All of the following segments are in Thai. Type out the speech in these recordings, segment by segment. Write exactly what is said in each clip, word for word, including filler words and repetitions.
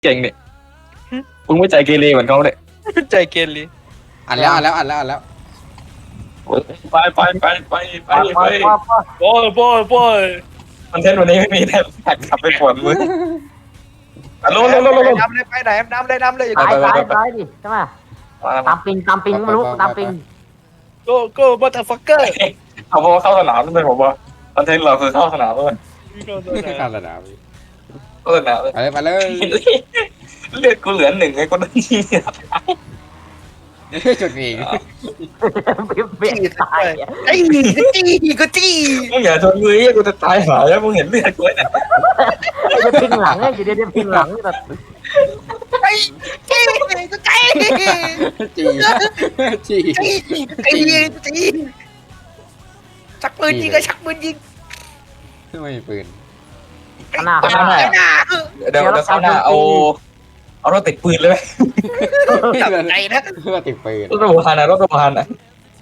เก่งเนี่ยมึงไม่ใจเกเรเหมือนเขาเลยใจเกลีอ่านแล้วอ่านแล้วอ่านแล้วอ่านแล้วไปไปไปไปไปไปไปไปไปโอ้ยโอ้ยโอ้ยคอนเทนต์วันนี้ไม่มีแต่แท็กขับไปปวดมืออ่ะลงลงลงลงลงดำเลยไปไหนดำเลยดำเลยซ้ายซ้ายซ้ายดิใช่ไหมตามปิงตามปิงไม่รู้ตามปิงโก้โก้บัตเตอร์ฟักเกอร์เขาบอกว่าเข้าสนามนั่นเป็นผมว่าคอนเทนต์เราคือเข้าสนามเลยข้ามสนามเข้าสนามเลยไปเลยไปเลยเลือดกูเหลือหนึ่งไอ้คนนั้นที่จุดนี้เปลี่ยนตายไอ้จี้ก็จี้มึงอย่าชนมือไอ้กูจะตายหายแล้วมึงเห็นเลือดกูเนี่ยจะพิงหลังไงอยู่ดีจะพิงหลังแบบไอ้จี้ก็จี้จีจีจี้ไอ้จี้ชักปืนยิงก็ชักปืนยิงไม่มีปืนหน้าหน้าไอ้หน้าเดี๋ยวเดี๋ยวเข้าหน้าเอาเอารถติดปืนเลยไหมจับใจนะเพื่อติดปืนรถระบบพันนะรถระบบพันนะ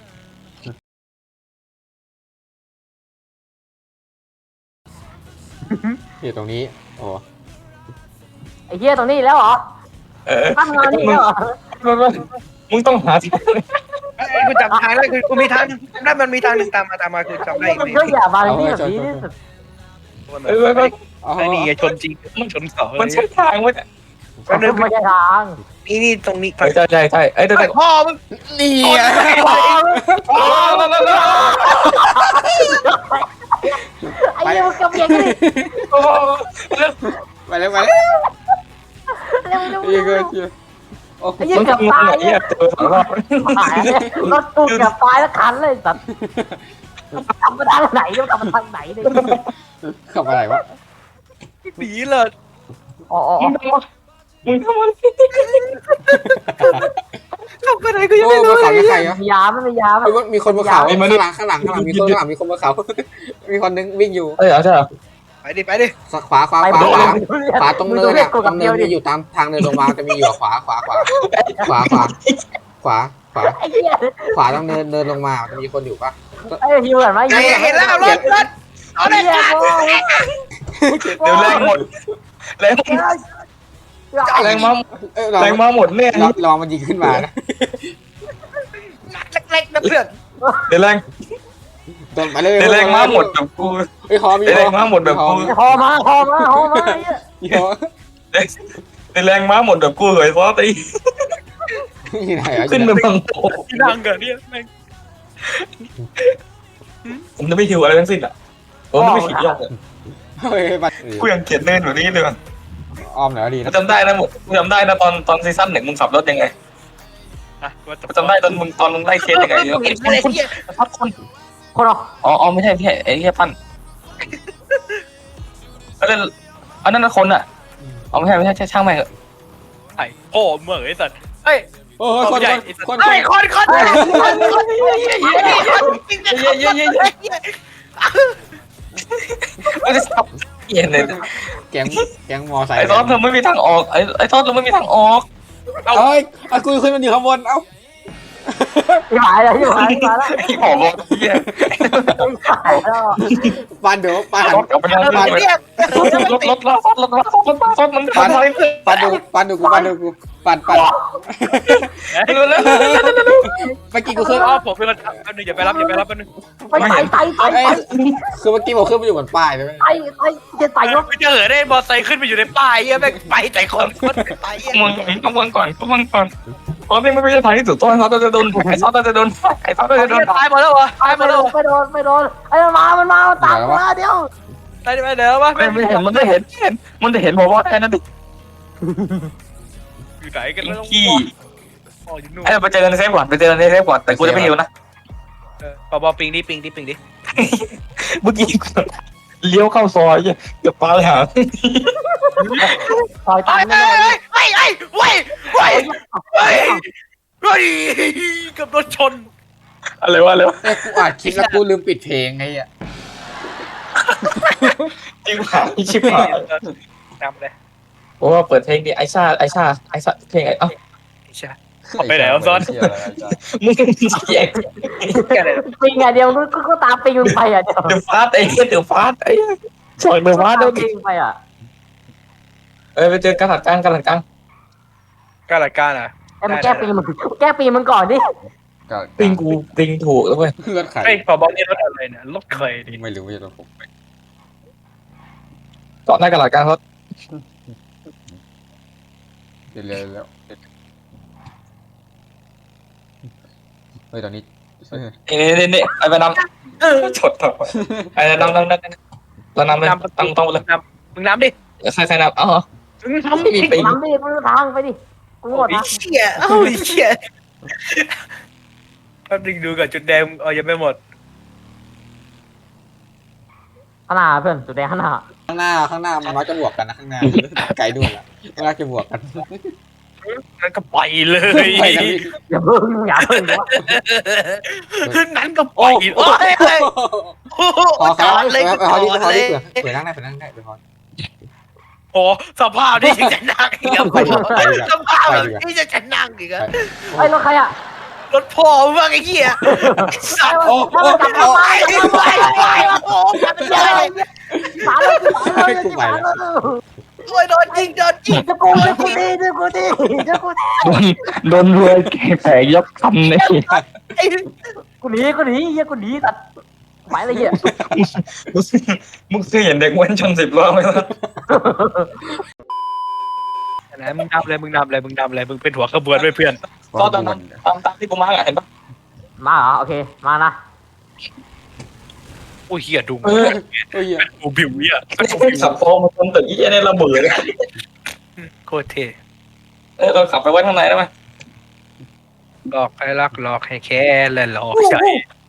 อยู่ตรงนี้โอ้ไอ้เหี้ยตรงนี้แล้วเหรอเออตั้งงานนี่แล้วเหรอมึงต้องหาที่กูจับทางแล้วคือกูมีทางได้มันมีทางหนึ่งตามมาตามมาคือจำได้มันก็อย่ามาที่แบบนี้นี่สุดเออไอ้นี่ชนจริงชนเสามันใช่ทางวะเนี่ยไม่ใช่ทางนี่นี่ตรงนี้ใช่ใช่ใช่ไอ้เด็กพ่อมึงนี่ไอ้เหี้ยมันกำเบียงนี่ไปเลยไปเลยเร็วเร็วอีกเร็วเดียวโอ้ไอ้เหี้ยมึงเกือบงงตายไอ้เนี่ยเจอสองรอบหายรถตู้เกือบตายแล้วคันเลยสัตว์กลับมาทางไหนเนี่ยกลับมาทางไหนเนี่ยขับอะไรวะหนีเลยอ๋อมึงทำอะไรเข้าไปไหนก็ยังโอ้ไม่รู้บนเขาไม่ใครมีอ่ะยาไม่มียาไหมมีคนบนเขาข้างหลังข้างหลังข้างหลังมีคนข้างหลังมีคนบนเขามีคนนึงวิ่งอยู่เอ้ยเอาใช่เหรอไปดิไปดิขวาขวาขวาขวาขวาตรงเนินอ่ะตรงเนินมีอยู่ตามทางเนินลงมาจะมีอยู่ขวาขวาขวาขวาขวาขวาขวาไอ้เหี้ยขวาต้องเนินเนินลงมาจะมีคนอยู่ปะไอ้ฮิวเห็นไหมเห็นแล้วรถรถเอาไอ้เลยเหี้ยเดี๋ยวแรงหมดแรงแรงมาเอ้ยแรงมาหมดเนี่ยลองมันยิงขึ้นมานะเล็กๆนะเพื่อนเดี๋ยวแรงโดนไปเลยเดี๋ยวแรงมาหมดแบบกูไอ้ฮอมีเดี๋ยวแรงมาหมดแบบกูหอมาหอมาหอมาไอ้เหี้ยฮอเดี๋ยวแรงมาหมดแบบกูเลยเพราะตีที่ไหนอ่ะขึ้นไปบังโผที่นั่งกันเนี่ยแม่งผมจะไม่หิวอะไรทั้งสิ้นอ่ะผมไม่ขีดยอดเฮ้ยบัตรกูยังเขียนเล่นแบบนี้เลยอ้อมหน่อยดีกูนะจำได้นะหมดกูจำได้นะตอนตอนซีซั่นหนึ่งมึงขับรถยังไงอ่ะกูจำได้ตอนมึงตอนมึงไล่เคสยังไงเยอะเห็นอะไรเนี่ยพัดคนคนออกอ๋ออ๋อไม่ใช่ไม่ใช่ไอ้แค่ปั้นอันนั้นอันนั้นคนอ่ะอ๋อไม่ใช่ไม่ใช่ช่างแม่งเหอะไอ้โอ้เหมื่อไอ้สัตว์เฮ้ยโอ้ยคนคนไอ้คนคนคนคนเย้เย้เย้เย้เย้ไม่ได้สับเย็นเลยแก๊งแก๊งมอไซค์ไอ้ทอดเราไม่มีทางออกไอ้ไอ้ทอดเราไม่มีทางออกเอาเอ้ยเอากูขึ้นมันอยู่ข้างบนเอ้าหายแล้วหายมาแล้วไอ้หอบอกเหี้ยหายแล้วปันเดี๋ยวปันรถกลับไปแล้วปันเรียกรถรถรถรถรถรถรถรถมันปันทำอะไรปันดูปันดูกูปันดูกูปันปันเร็วเร็วเมื่อกี้กูขึ้นอ๋อผมเป็นคนทำแป๊บนึงอย่าไปรับอย่าไปรับแป๊บนึงไปไต่ไต่ไต่เอ้ยไต่คือเมื่อกี้ผมขึ้นไปอยู่บนป้ายเลยไต่ไต่จะไต่รถไม่เจอได้มอไซค์ขึ้นไปอยู่ในป้ายเหี้ยแม่งไปแต่คนคนไปเหี้ยมึงต้องมึงก่อนต้องมึงก่อนเพราะนี่ไม่ใช่ทางที่สุดต้นเขาจะโดนไอ้ทอดจะโดนไอ้ทอดจะโดนตายหมดแล้ววะตายหมไม่ดโดแล้วนไม่โดนไม่โดนไอ้มามันมาตามมาเดี๋ยวตายไปเดี๋ยววะไม่ไม่เห็นมันไม่เห็นเห็นมันจะเห็นผมว่าแค่นั้นดิอยู่ไหนกันแล้วขี้อ๋ออยู่นู่นไอ้ไปเจอในเซฟก่อนไปเจอในเซฟก่อนแต่กูจะไม่หิวนะปอบอปิงดิปิงดิปิงดิเมื่อกี้เลี้ยวเข้าซอยเกือบปาเลยหาซอยไปตันไปไม่ได้ไปไปไปไปไปไปกับรถชนอะไรวะอะไรวะเอ้ยกูอัดคลิปแล้วกูลืมปิดเพลงไงอ่ะจริงหายชิบหายนำเลยเพราะว่าเปิดเพลงดิไอซ่าไอซ่าไอซ่าเพลงไอเอ้าใช่ไปไหนซ้อนมึงแยกแค่ไหนปิงไงเดียวก็ก็ตามปิงไปอ่ะเดี๋ยวเดือดฟาดไอ้เดือดฟาดไอ้ชอยเดือดฟาดตาแล้มวปิงไปอ่ะเออไปเจอกระดาษกลางกระดาษกลางการรายการอ่ะไอ้มึงแก้ปีมึงแก้ปีมึงก่อนดิก็ติงกูติงถูกแล้วเว้ยรถไข่ไอ้พอบอลนี่รถอะไรเนี่ยรถเคยดิไม่รู้ไม่ใช่รถผมเกาะหน้ากระดาษกลางเขาเร็วๆแล้วเฮ้ยตอนนี้นี่นี่นี่ไอ้ไปนำฉดต่อไอ้นำนำนำเรานำเลยต้องต้องเลยมึงน้ำดิใครใครนำอ๋อมึงน้ำดิไปทำดิมึงทางไปดิกูหมดโอ้ยนะเชี่ยโอ้ยเชี่ยแป๊บนึงดูก่อนจุดแดงเออยังไม่หมดขนาดเพื่อนสุดแดงขนาดข้างหน้าข้างหน้ามันมักจะบวกกันนะข้างหน้าไกลด้วยล่ะมันมักจะบวกกันนั่นก็ไปเลยไปกันอย่าเพิ่งอย่าเพิ่งวะนั่นก็ไปโอ้ยพอครับเลยไปพอดีไปพอดีเผื่อเผื่อนั่งได้เผื่อนั่งได้ไปพอโอ้สภาพนี่จะนั่งอีกไปดีกว่าไปดีกว่าสภาพนี่จะจะนั่งอีกอะไอ้รถใครอ่ะรถพ่อมึงว่าไอ้เหี้ยสัตว์โอ้โอ้กลับโอ้มาไปไปไปโอ้ยมันใหญ่สารเลยสารเลยสารเลยโอ้ยโดนยิงโดนยิงจะกูจะกูดีจะกูดีจะกูดีโดนโดนรวยแผลยกคำเนี่ยไอ้กูหนีกูหนีเฮียกูหนีตัดหมายอะไรเฮียมึงเคยเห็นเด็กม้วนชนสิบล้อไหมล่ะไหนมึงนำเลยมึงนำเลยมึงนำเลยมึงเป็นหัวขบวนด้วยเพื่อนก็ตามตามตามที่กูมาเห็นปะมาเหรอโอเคมานะโอ้ยเหี้ยดูเออเฮ้ยกูบิวเนี่ยขับฟองมาชนตึกยี่เนี่ยระเบิดโคตรเท่เออเราขับไปไว้ข้างในได้ไหมหลอกให้รักหลอกให้แค่และหลอกใจ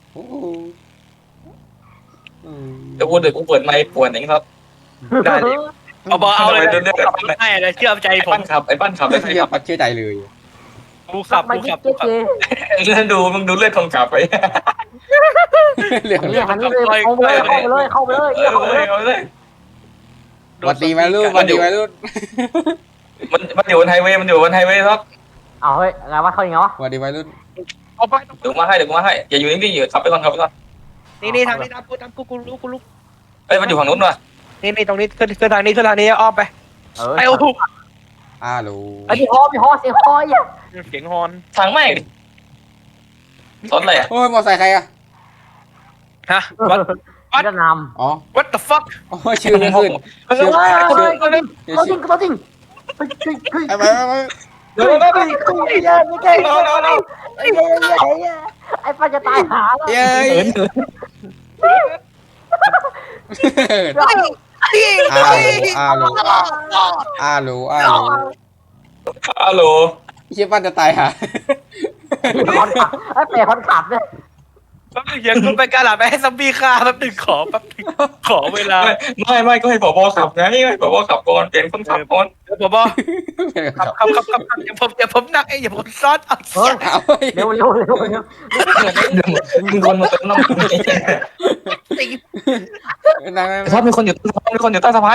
เดี๋ยวกูเดี๋ยวกูเปิดไมค์ปวดเองครับได้ดิเอาบอเอาเลยขับให้เลยเชื่อใจไอ้ผปั้มนขับไอ้ปั้นขับได้ใครเชื่อขับปัดเชื่อใจเลยกูขับมากูเจ๊ขับเจ๊กูขับเจ๊ดูมึงดูเลือดคนขับไปเรื่องนี่หันเลยเข้าไปเลยเข้าไปเลยเข้าไปเลยเออเข้าไปเลยเอาเลยวันดีไหมลูกวันดีไหมลูกมันมันอยู่บนไฮเวย์มันอยู่บนไฮเวย์ครับเอาเฮ้ยไงวะเขาอย่างไงวะวันดีไหมลูกเอาไปเดี๋ยวมาให้เดี๋ยวกูมาให้อย่าอยู่นิ่งๆอยู่ขับไปก่อนขับไปก่อนนี่นี่ทางนี้ตามกูตามกูกูรู้กูรู้เอ้ยมันอยู่ฝั่งนู้นว่ะนี่นี่ตรงนี้ขึ้นขึ้นทางนี้ขึ้นทางนี้อ้อมไปเออไอ้โอ้โหอ้าลูไอ้ที่ฮอมีฮอเสียงฮออ่ะเสียงฮอนทางแม่งดิรถอะไรอ่ะโอ้ยมอไซค์ใครอะฮะ What เวียดนามอ๋อ What the fuck โอ้ยชื่อไม่ขึ้นเฮ้ยชื่อเฮ้ยชื่อเขาจริงเขาจริงเขาจริงเฮ้ยเฮ้ยเฮ้ยไปไปไปเดี๋ยวเดี๋ยวเดี๋ยวเฮ้ยเฮ้ยเฮ้ยไม่ใช่ไอ้เหี้ยไอ้ป้าจะตายหาแล้วเย้ยเหินอ้าลูอ้าลูอ้าลูอ้าลูฮัลโหลเชี่ยปั้นจะตายหาคนขับไอ้เป๋คนขับเนี่ยแป๊บนึงเดี๋ยวกูไปกาลาไปให้ซัมบี้ฆ่าแป๊บนึงขอแป๊บนึงขอเวลาไม่ไม่ก็ให้ผบขับไงให้ผบขับก่อนเปลี่ยนคนขับก่อนเดี๋ยวผมบอกขับขับขับขับขับอย่าผมอย่าผมนั่งเองอย่าผมซ้อนเอาเฮ้ยเอาเร็วเร็วเร็วเร็วมีคนมาเติมน้ำตีนั่งชอบมีคนอยู่ใต้สะพานมีคนอยู่ใต้สะพาน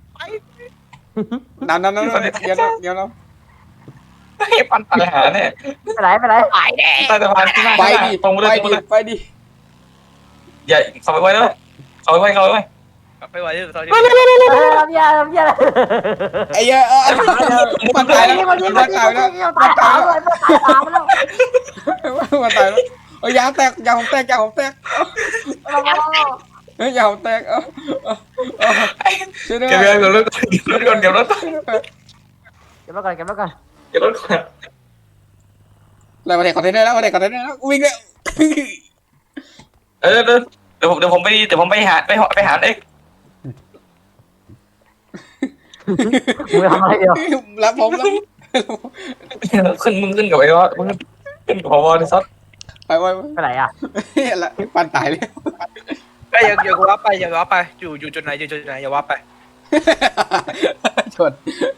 นั่งนั่งนั่งเดี๋ยวเดี๋ยวเราไอ้ปันปัญหาเนี่ยไปไหนไปไหนหายแน่ใต้สะพานที่หน้าไปดิตรงไปเลไปยตรงดิเลยไปดิอย่าขับไปไว้แล้วขับไปไว้ขับไปไว้ไปไหวที่ตอนนี้เฮ้ยทำยาทำยาไอ้เหี้ยเออมันตายแล้วมันมันมันตายแล้วตายตามเลยตายตามแล้วมันตายแล้วเอ้ยยางแตกยางผมแตกยางผมแตกเฮ้ยยางผมแตกเออช่วยด้วยเก็บเงินรถก่อนเก็บรถก่อนเก็บแล้วกันเก็บแล้วกันเก็บรถก่อนอะไรมาเด็กคอนเทนเนอร์แล้วมาเด็กคอนเทนเนอร์แล้ววิ่งเลยเออเดี๋ยวเดี๋ยวผมเดี๋ยวผมไปเดี๋ยวผมไปหาไปหาไปหาเองมึงทำอะไรเดียวรับผมแล้วขึ้นมึงขึ้นกับไอ้วะมึงขึ้นกับพอที่ซัดไปไปไปไหนอ่ะละปันตายเลยไปอย่าอย่าว้าไปอย่าว้าไปอยู่อยู่จุดไหนอยู่จุดไหนอย่าว้าไปชน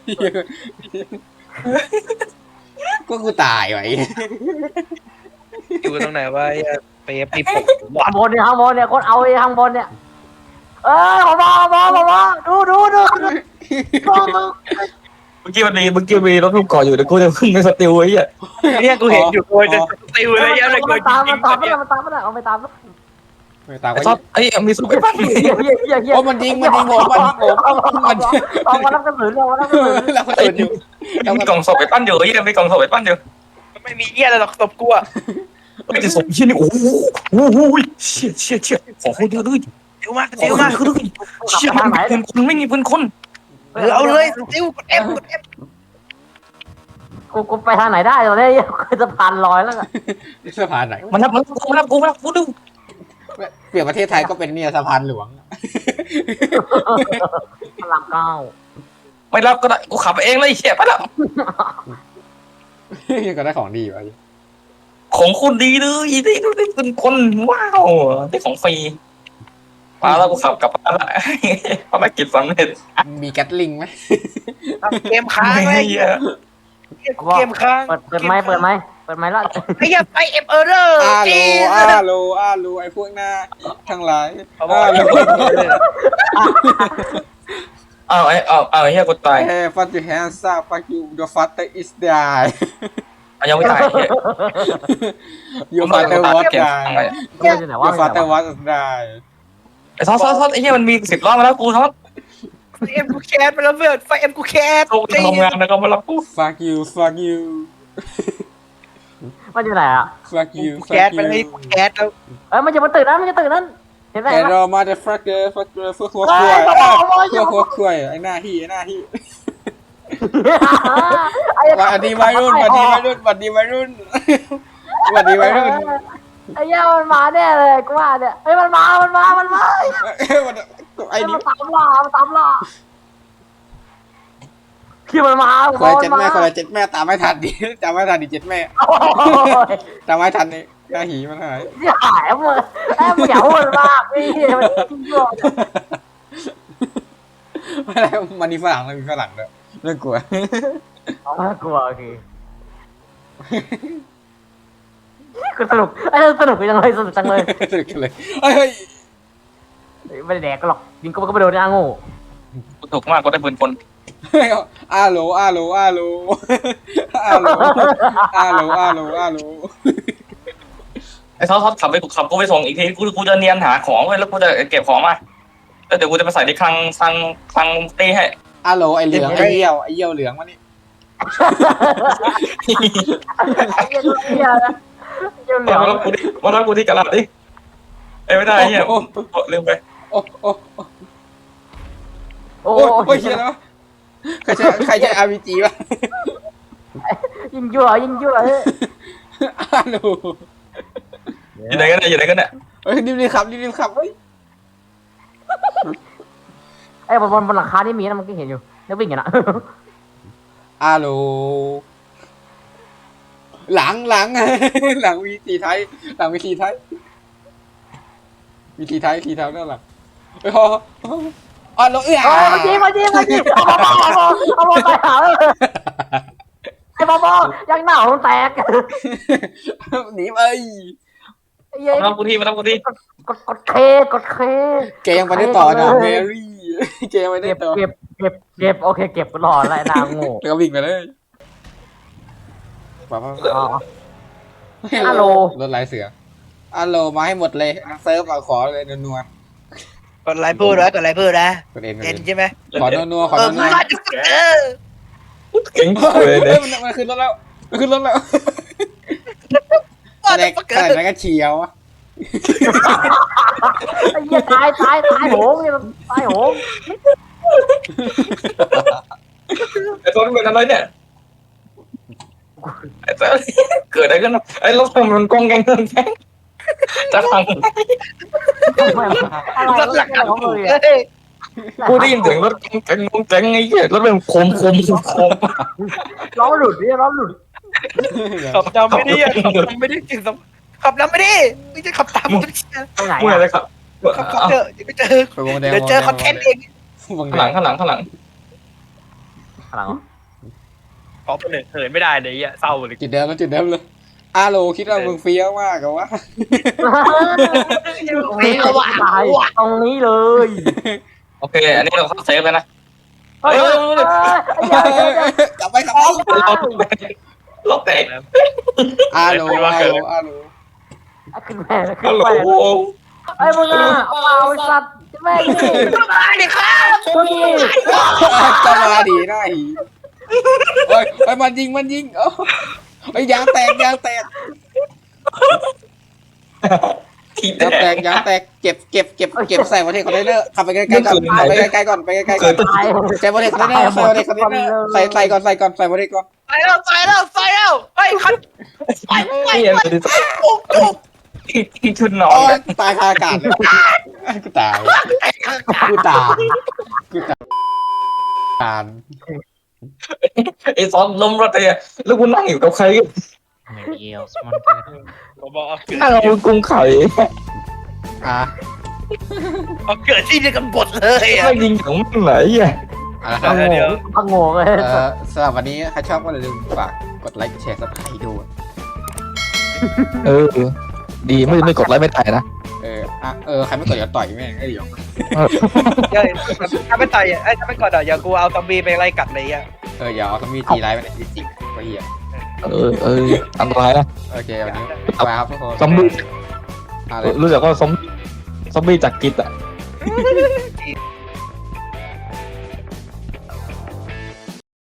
ก็กูตายไว้อยู่ตรงไหนวะไปเอฟดีปกข้างบนเนี่ยข้างบนเนี่ยคนเอาไอ้ข้างบนเนี่ยเออขอบอขอบอขอบอดูดูดูดูเมื่อกี้มันมีเมื่อกี้มีรถลูกเกาะอยู่เดี๋ยวกูจะขึ้นไปสติลไอ้เหี้ยเนี่ยกูเห็นอยู่โดยจะติวเลยยังเลยกูมันตามยิมังนตามเนี่ยมันตามมันเอาไปตามไม่ตามไอ้ก็ซอสไอ้มีสุดไอ้ปั้นเฮียเฮียเฮียเฮียเฮียโอ้มันยิงมันยิงผมมันยิงผมมันเอามารับกระสุนเอามารับกระสุนเราก็ตื่นอยู่เรามีก็กล่องศพไอ้ปั้นอยู่ไอ้ยังมีกล่องศพไอ้ปั้นอยู่ไม่มีเหี้ยอะไรหรอกตบกูอะไม่จะศพชิ้นนี่โอ้โหโอ้โหเชี่ยเชี่ยเชี่ยของคนเยอะเลยเดี๋ยวมากของเดี๋ยวคนมากเยอะเลยเชี่ยมันมีปืนคนไม่มีปืนคนเออเอาเลยติ้วกดเอฟกดเอฟกูกูไปทางไหนได้ตอนนี้คือจะผ่านลอยแล้วอะสะพานไหนมันนับมันกูมันนับกูมันนับกูดูเปลี่ยนประเทศไทยก็เป็นเนี่ยสะพานหลวงพลังเก้าไม่รับก็ได้กูขับเองเลยเชี่ยไปแล้วก็ได้ของดีวะของคุณดีเลยได้ได้ปืนคนว้าวได้ของฟรีมาแล้วกูขับกลับบ้านละภารกิจสำเร็จมีแก๊ตลิงไหมเกมค้างไอ้เหี้ยเกมค้างเปิดเปิดไม้เปิดไม้เปิดไม้แล้วไอ้เหี้ยไปเอฟเออร์เรอร์อาโลจีอาโลอาโลไอ้พวกหน้าทั้งหลายอาโลอ้าวไอ้อ้าวอ้าวเฮียกูตายเฮ้ฟัตยูแฮนซ่าฟัตยูเดอะฟัตเตอร์อิสไดอ่ะยังไม่ตายเฮียยูฟัตเตอร์วอตไดกูจะไหนวะยูฟัตเตอร์วอตไดไอ้ซอสซอสซอสไอ้เฮียมันมีสิบรอบมาแล้วกูซอสไฟเอ็มกูแคสไปแล้วเพื่อนไฟเอ็มกูแคสโตทำงานแล้วก็มารับกู fuck you fuck you มันอยู่ไหนอ่ะ fuck you แคส fuck ไปเลย you แคสแล้วเอ้ยมันจะมาตื่นนะมันจะตื่นนั่นเห็นไหม Hello motherfucker fucker fuck fuck ควายfuck fuck ควายไอ้หน้าที่ไอ้หน้าที่ไอ้สวัสดีวัยรุ่นสวัสดีวัยรุ่นสวัสดีวัยรุ่นสวัสดีวัยรุ่นไอ้เหี้ยมันมาแน่เลยกูว่าเนี่ยเฮ้ยมันมามันมามันมาไอ้นี่มันตามล่ามันตามล่าคือมันมาคนละเจ็ดแม่คนละเจ็ดแม่ตามไม่ทันดิตามไม่ทันดิเจ็ดแม่โอ้ยตามไม่ทันนี่หน้าหีมันหายอย่าหายมึงไอ้มึงอย่าพูดมากพี่มันจริงด้วยไม่ได้มันมีฝรั่งแล้วมีฝรั่งด้วยน่ากลัวกลัวโอเคกูสนุกไอ้สนุกจังเลยสนุกจังเลยสนุกเลยเฮ้ยไม่ได้แดกหรอกยิงก็ก็ไปโดนนะโง่กูถูกมากกูได้ปืนคนเฮ้ยอาโลอาโลอาโลอาโลอาโลอาโลอาโลไอ้ซอสซอสขับไปกูขับกูไปส่งอีกทีกูกูจะเนียนหาของไว้แล้วกูจะเก็บของมาแล้วเดี๋ยวกูจะไปใส่ในคลังคลังคลังตีให้อาโลไอเหลืองไอเยี่ยวไอเยี่ยวเหลืองวะนี่ไอ้เหี้ยเหี้ยนะเหี้ยเหลือมารับกูดิมารับกูที่กระดาษดิไอ้ไม่ได้เฮียลืมไปโอ้โอ้โอ้โอ้โอ้ยเชี่ยแล้วใครใช้ใครใช้อาร์พีจีวะยิงยั่วยิงยั่วเฮ้ยอาโลอยู่ไหนกันเนี่ยอยู่ไหนกันเนี่ยเฮ้ยรีบๆขับรีบๆขับเฮ้ยไอ้บนบนบนหลังคานี่มีนะมันก็เห็นอยู่แล้ววิ่งอย่างน่ะอาโลหลังหลังหลังวีทีไทยหลังวีทีไทยวีทีไทยทีเท้าด้านหลังเฮ้ยพออาโลเอ้ยโอ้มาจีมาจีมาจีเอาบอลเอาบอลเอาบอลไปหาเลยไอ้บอลยังหนาวแตกหนีไปมารับกูที่มารับกูที่กดกดเคกดเคแกยังไปได้ต่อนะเมรี่แกยังไปได้เก็บต่อเก็บเก็บเก็บโอเคเก็บรออะไรนางโง่แล้วก็วิ่งไปเลยป้าป้าอ๋อ อาโลรถลายเสืออาโลมาให้หมดเลยเซิร์ฟเอาขอเลยนัวกดไลค์พูดนะกดไลค์พูดนะๆกดเองกดเอ็เอน งใช่ไหมขอนัวๆขอเออนัวมาจุดเออเก่งๆเลยเฮ้เนี่ยยมันมันขึ้นรถแล้วมันขึ้นรถแล้วอะไรอะไรนั่นก็เฉียวอะไอ้เหี้ยตายตายตายโหงเนี่ยตายโหงไอ้ซอสเป็นอะไรเนี่ยไอ้ซอสเกิดอะไรขึ้นไอ้รถมันกองแกงเงินแกงจะพังรถหลักอะไรของมึงเอ้ยกูได้ยินเสียงรถแกงแกงแกงไอ้เหี้ยรถเป็นโคมโคมโคมล้อหลุดเนี่ยล้อหลุดขับนำไม่ได้ขับนำไม่ได้จริงขับนำไม่ได้ไม่ใช่ขับตามมึงตรงไหนเมื่อไรครับขับขับเจอเดี๋ยวไปเจอไปวงแดงเดี๋ยวเจอคอนเทนต์เองวงแดข้างหลังงข้างหลังข้างหลังหลังขอเป็นเหินไม่ได้เลยอ่ะเศร้าเลยจุดเดิมแล้วจุดเดิมเลยอาโลคิดว่ามึงเฟี้ยวมากกับว่าตรงนี้ตายตรงนี้เลยโอเคอันนี้เราเข้าเซฟแล้วนะเฮ้ยกลับไปกลับไปรถแตกอาโลอาโลอาโลขึ้นแม่ขึ้ฮันลโหลแม่ไอ้มึงอ่ะเปล่าไอ้สัตว์แม่งนี่มาดิครับคนนี้ก็มาดีได้เฮ้ยเฮ้ยมันยิงมันยิงเอ้าเฮ้ยยางแตกยางแตกทียางแตกยางแตกเก็บเก็บเก็บเก็บใส่ประเทศคอนเทนเนอร์ขับไปไกลๆก่อนไปไกลๆก่อนไปไกลๆก่อนตายใส่ประเทศคอนเทนเนอร์ใส่ประเทศคอนเทนเนอร์ใส่ใส่ก่อนใส่ก่อนใส่ประเทศก่อนใส่แล้วใส่แล้วใส่แล้วเฮ้ยคันไปไปนี่ยังเป็นปุ๊บปุ๊บที่ชุดนอโอ้นยตายคาอากาศเลยกูตายกูตายกูตายตายไอ้ซอนล้มรถเลยแล้วกูนั่งอยู่กับใคร Maybe else one good. ผมบอกเอาเกิดนั่งเอากุ้งไข่อ่ะเอาเกิดที่เดียวกันหมดเลยอ่ะไม่ยิงของมันไหนอ่ะเอาละคพัรับงโง่เดี๋ยวพังโง่เลยเอ่อสำหรับวันนี้ใครชอบก็อย่าลืมฝากกดไลค์กดแชร์ซับสไครต์ด้วยเออ ดีไม่ไม่กดไลค์ไม่ตายนะเอออ่ะเออใครไม่กดอย่าต่อยแม่งไอ้เดี๋ยวเดี๋ยวถ้าไม่ต่อยอ่ะเอ้ยถ้าไม่กดอ่ะอย่ากูเอาซอมบี้ไปไล่กัดเลยอ่ะเอออย่าเอาทำมีตีไลฟ์ไปในจริงๆก็เหี้ยเออเอออันตรายนะโอเควันนี้บ๊ายบายครับทุกคนซอมบี้อะไรรู้จักว่าซอมซอมบี้จากกิจอ่ะ